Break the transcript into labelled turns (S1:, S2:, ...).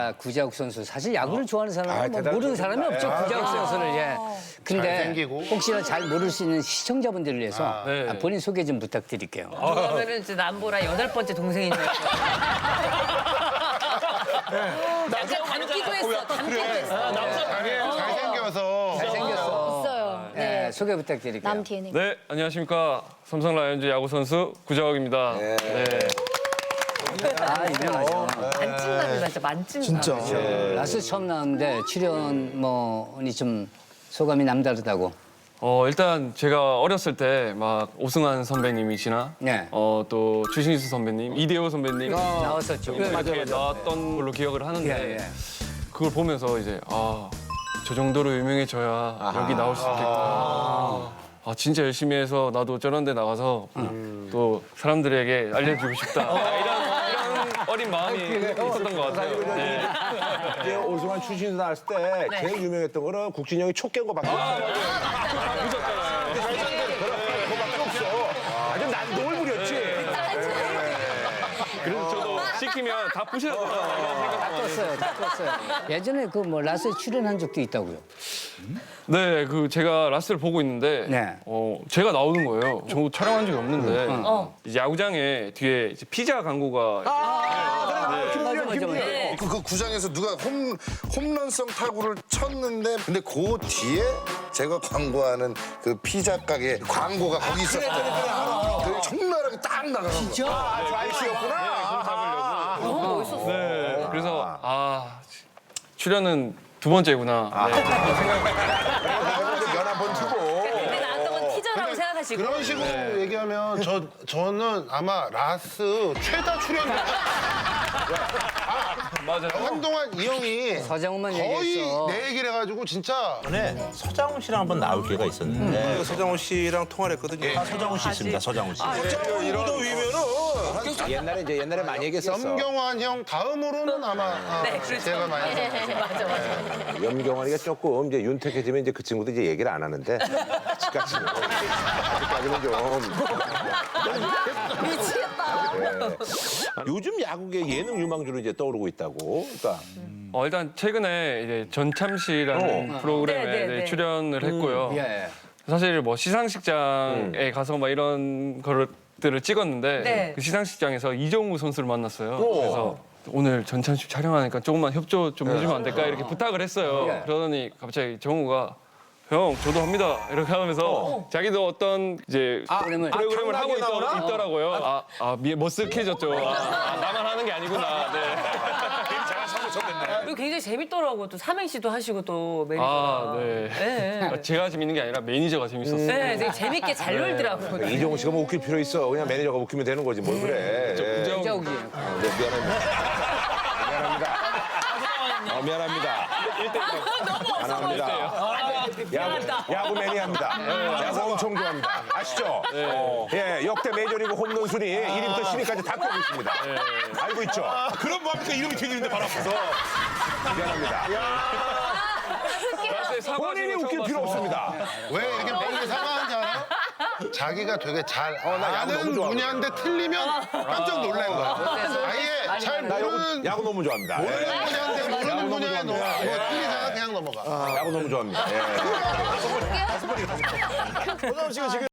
S1: 구자욱 선수 사실 야구를 좋아하는 사람은 뭐 모르는 사람이 없죠. 구자욱 선수를 근데
S2: 잘생기고.
S1: 혹시나 잘 모를 수 있는 시청자분들을 위해서
S3: 네.
S1: 본인 소개 좀 부탁드릴게요.
S4: 그러면은 이제 남보라 8번째 동생인 줄 알고. 약간 닮기도 했어. 닮기도 했어.
S2: 잘생겨서.
S1: 잘생겼어.
S5: 있어요.
S1: 네, 소개 부탁드릴게요.
S5: 남 DNA.
S3: 네, 안녕하십니까. 삼성 라이온즈 야구 선수 구자욱입니다. 네.
S1: 유명하죠.
S4: 만찢남이다, 진짜 만찢남. 진짜.
S1: 라스 처음 나왔는데 출연 뭐니 좀 소감이 남다르다고.
S3: 일단 제가 어렸을 때 막 오승환 선배님이시나
S1: 네.
S3: 또 추신수 선배님, 이대호 선배님
S1: 나왔었죠.
S3: 이렇게 나왔던 걸로 기억을 하는데
S1: 예, 예.
S3: 그걸 보면서 이제 저 정도로 유명해져야 여기 나올 수 있겠구나. 진짜 열심히 해서 나도 저런 데 나가서 또 사람들에게 알려주고 싶다. 이런 어린 마음이 있었던 것 같아요. 네.
S6: 이제 오승환 추신수 나왔을 때 제일 유명했던 거는 국진이 형이 촉 깬 거밖에 없어요. 그거밖에 없어. 아주 난동을 부렸지.
S3: 그래서 저도 시키면 다 부셔야
S1: 다 떴어요. 예전에 그 뭐 라스에 출연한 적도 있다고요.
S3: 네, 제가 라스를 보고 있는데
S1: 네.
S3: 제가 나오는 거예요. 저 촬영한 적이 없는데 이제 야구장에 뒤에 이제 피자 광고가
S1: 맞아.
S2: 그 구장에서 누가 홈런성 타구를 쳤는데 근데 그 뒤에 제가 광고하는 그 피자 가게 광고가 거기 있었어요. 그게 적나라하게 딱 나가는 거야.
S6: 저 아저씨였구나.
S4: 너무 멋있었어.
S3: 네, 그래서 출연은 두 번째구나. 네.
S6: 연 한번 주고.
S4: 근데 나왔던 건 티저라고 생각하시고.
S2: 그런 식으로 얘기하면 저는 아마 라스 최다 출연자.
S3: 맞아요.
S2: 한동안 이 형이
S1: 서장훈만
S2: 거의
S1: 얘기했어.
S2: 내 얘기를 해가지고 진짜
S7: 전에 서장훈 씨랑 한번 나올 기회가 있었는데
S8: 서장훈 씨랑 통화를 했거든요.
S7: 서장훈 씨 있습니다. 서장훈 씨.
S2: 이런
S6: 옛날에 많이 얘기했었어.
S2: 염경환 형 다음으로는 아마
S4: 네, 그렇죠.
S2: 제가 많이
S4: 맞아.
S6: 염경환이가 조금 이제 윤택해지면 이제 그 친구도 이제 얘기를 안 하는데 아직까지는 좀.
S4: 미치겠다.
S6: 요즘 야구계 예능 유망주로 이제 떠오르고 있다고. 그러니까
S3: 일단 최근에 이제 전참 씨라는 프로그램에
S4: 네, 네, 네.
S3: 출연을 했고요.
S1: 예.
S3: 사실 뭐 시상식장에 가서 막 이런 것들을 찍었는데
S4: 네.
S3: 그 시상식장에서 이정우 선수를 만났어요. 그래서 오늘 전참 씨 촬영하니까 조금만 협조 좀 해주면 안 될까 이렇게 부탁을 했어요. 그러더니 갑자기 정우가 형 저도 합니다 이렇게 하면서 자기도 어떤 이제 프로그램을 하고 있더라고요. 머쓱해졌죠. 나만 하는 게 아니구나. 네.
S4: 그리고 굉장히 재밌더라고. 또 삼행시도 하시고 또 매니저가.
S3: 네.
S4: 네.
S3: 제가 재밌는 게 아니라 매니저가 재밌었어요.
S4: 네, 되게 재밌게 잘 놀더라고요.
S6: 이종우 씨가 뭐 웃길 필요 있어. 그냥 매니저가 웃기면 되는 거지. 뭘 그래.
S1: 구자욱이.
S6: 미안합니다. 야구 매니아입니다. 야구 엄청 좋아합니다. 아시죠? 예, 역대 메이저리그 홈런 순위 1위부터 10위까지 다 끄고 있습니다. 알고 있죠?
S8: 그럼 뭐합니까? 이름이 튀기는데 바로 앞에서.
S6: 미안합니다. 본인이 웃길 필요 없습니다.
S2: 왜 이렇게 매일 사과하는지 알아? 자기가 되게 잘
S6: 야구 너무
S2: 아는
S6: 좋아하거든.
S2: 분야인데 틀리면 깜짝 놀란 거야. 아예 잘 모르는
S6: 야구 너무 좋아합니다.
S2: 분야인데 모르는 분야에 뭐 틀리잖아 그냥 넘어가.
S6: 야구 너무 좋아합니다. 예.
S8: 서장훈 씨가 지금